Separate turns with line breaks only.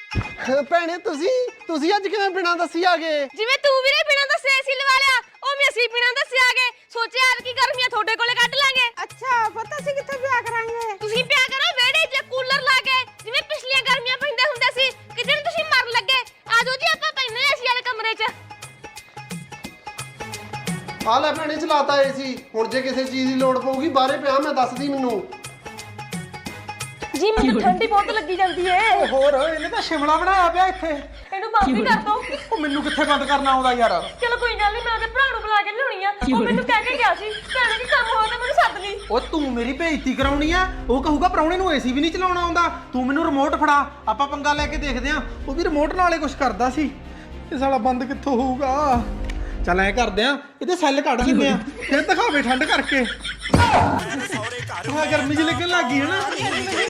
ਭੈਣੇ ਤੁਸੀਂ ਅੱਜ ਕਿਵੇਂ ਬਿਨਾਂ ਦੱਸੀ ਆ ਗਏ?
ਜਿਵੇਂ ਤੂੰ ਵੀਰੇ ਬਿਨਾਂ ਦੱਸੇ ਏਸੀ ਲਵਾ ਲਿਆ, ਉਹ ਵੀ ਅਸੀਂ ਬਿਨਾਂ ਦੱਸੇ ਆ ਗਏ। ਸੋਚਿਆ ਯਾਰ ਕੀ ਗਰਮੀਆਂ ਤੁਹਾਡੇ ਕੋਲੇ ਕੱਢ ਲਾਂਗੇ।
ਅੱਛਾ ਪਤਾ ਸੀ ਕਿੱਥੇ ਵਿਆਹ ਕਰਾਂਗੇ।
ਤੁਸੀਂ ਪਿਆ ਕਰੋ ਵਿਹੜੇ 'ਚ ਕੂਲਰ ਲਾ ਕੇ, ਜਿਵੇਂ ਪਿਛਲੀਆਂ ਗਰਮੀਆਂ ਪੈਂਦੇ ਹੁੰਦੇ ਸੀ। ਕਿਤੇ ਨੂੰ ਤੁਸੀਂ ਮਰਨ ਲੱਗੇ। ਆਜੋ ਜੀ ਆਪਾਂ ਪੈਨੇ ਏਸੀ ਵਾਲੇ ਕਮਰੇ 'ਚ।
ਆ ਲੈ ਭੈਣੇ ਚਲਾਤਾ ਏਸੀ। ਹੁਣ ਜੇ ਕਿਸੇ ਚੀਜ਼ ਦੀ ਲੋੜ ਪਊਗੀ ਬਾਹਰੇ ਪਿਆ, ਮੈਂ ਦੱਸਦੀ ਮੈਨੂੰ।
ਜੀ ਮੈਨੂੰ ਠੰਡੀ ਬਹੁਤ ਲੱਗੀ ਜਾਂਦੀ ਏ।
ਹੋਰ ਇਹਨੇ ਤਾਂ ਸ਼ਿਮਲਾ ਬਣਾਇਆ ਪਿਆ ਇੱਥੇ।
ਇਹਨੂੰ ਬੰਦ ਹੀ ਕਰ ਦੋ।
ਉਹ ਮੈਨੂੰ ਕਿੱਥੇ ਬੰਦ ਕਰਨਾ ਆਉਂਦਾ ਯਾਰ।
ਚਲੋ ਕੋਈ ਗੱਲ ਨਹੀਂ, ਮੈਂ ਉਹਦੇ ਭਰਾ ਨੂੰ ਬੁਲਾ ਕੇ ਲਿਆਉਣੀ ਆ। ਉਹ ਮੈਨੂੰ ਕਹਿ ਕੇ ਗਿਆ ਸੀ ਭੈਣੇ ਕੀ ਕੰਮ ਹੋਇਆ ਤਾਂ ਮੈਨੂੰ ਸੱਦ ਲਈ।
ਉਹ ਤੂੰ ਮੇਰੀ ਬੇਇੱਜ਼ਤੀ ਕਰਾਉਣੀ ਆ। ਉਹ ਕਹੂਗਾ ਪ੍ਰਾਹੁਣੇ ਨੂੰ ਏਸੀ ਵੀ ਨਹੀਂ ਚਲਾਉਣਾ ਆਉਂਦਾ। ਤੂੰ ਮੈਨੂੰ ਰਿਮੋਟ ਫੜਾ, ਆਪਾਂ ਪੰਗਾ ਲੈ ਕੇ ਦੇਖਦੇ ਆਂ। ਉਹ ਵੀ ਰਿਮੋਟ ਨਾਲੇ ਕੁਝ ਕਰਦਾ ਸੀ। ਇਹ ਸਾਲਾ ਬੰਦ ਕਿੱਥੋਂ ਹੋਊਗਾ? ਚੱਲ ਐ ਕਰਦੇ ਆਂ, ਇਹਦੇ ਸੈੱਲ ਕੱਢ ਦਿੰਦੇ ਆਂ, ਫਿਰ ਦਿਖਾਵੇ ਠੰਡ ਕਰਕੇ। ਗਰਮੀ ਜਿਹੀ ਲੱਗਣ ਲੱਗ ਗਈ ਹੈ ਨਾ।